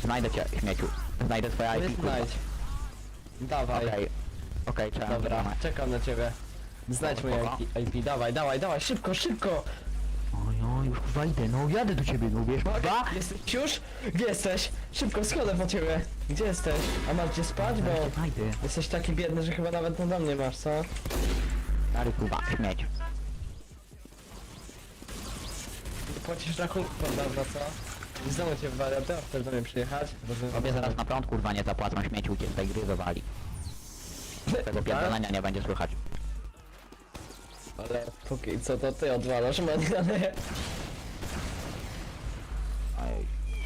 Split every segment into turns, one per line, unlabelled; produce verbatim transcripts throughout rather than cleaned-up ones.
Znajdę cię, śmieciu. Znajdę twoje I
Nie
P, kurwa.
znajdź. Dawaj.
Okej. Okej, trzeba.
Dobra, czekam na ciebie. Znajdź moje
Dobra.
I P, I P, dawaj, dawaj, dawaj, szybko, szybko!
O ja już kurwa idę, no jadę do ciebie, no wiesz, kurwa?
Jesteś już? Gdzie jesteś? Szybko, schodzę po ciebie. Gdzie jesteś? A masz gdzie spać? Bo
Ja cię znajdę.
jesteś taki biedny, że chyba nawet na mnie masz, co?
Stary kurwa, śmieć.
Płacisz rachunki, prawda, co? I znowu cię wariatę, a chcesz do mnie przyjechać?
Tobie zaraz na prąd kurwa nie zapłacą, śmieciu cię z tej gry zawali. Tego pierdolenia nie będzie słychać.
Ale póki co to ty odwalasz maniany.
Ej.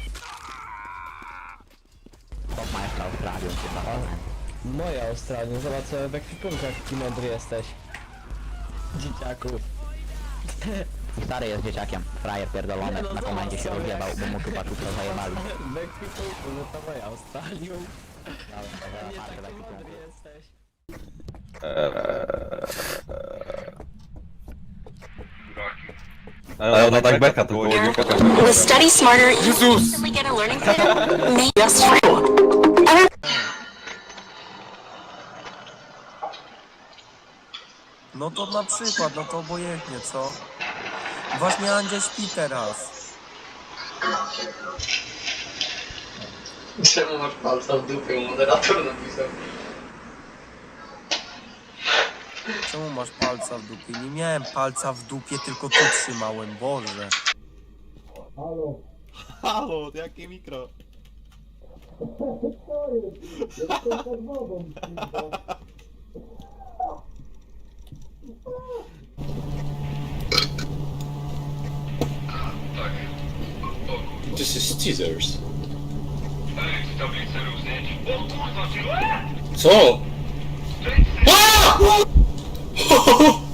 Chłop ma jeszcze Australię, chyba.
Moja Australia, zobacz sobie w ekwipunkach jaki mądry jesteś. Dzieciaku.
I stary jest dzieciakiem, frajer pierdolony,
Nie no,
na komendzie się
zobacz sobie.
rozjebał, bo mu chyba czupro zajebali.
W ekwipunku, no to moja Australia.
Dobra,
Nie
dobra,
taki
dobra,
mądry jesteś.
Ale ona tak beka tylko nie pokaże.
With Study Smarter, you instantly get a learning credit made just for you. Ever
No to na przykład, no to obojętnie, co? Właśnie Andzia śpi teraz.
Czemu masz palca w dupie? Moderator napisał.
Czemu masz palca w dupie? Nie miałem palca w dupie, tylko tu trzymałem, Boże.
Halo, jakie mikro?
This is teasers. Co? A!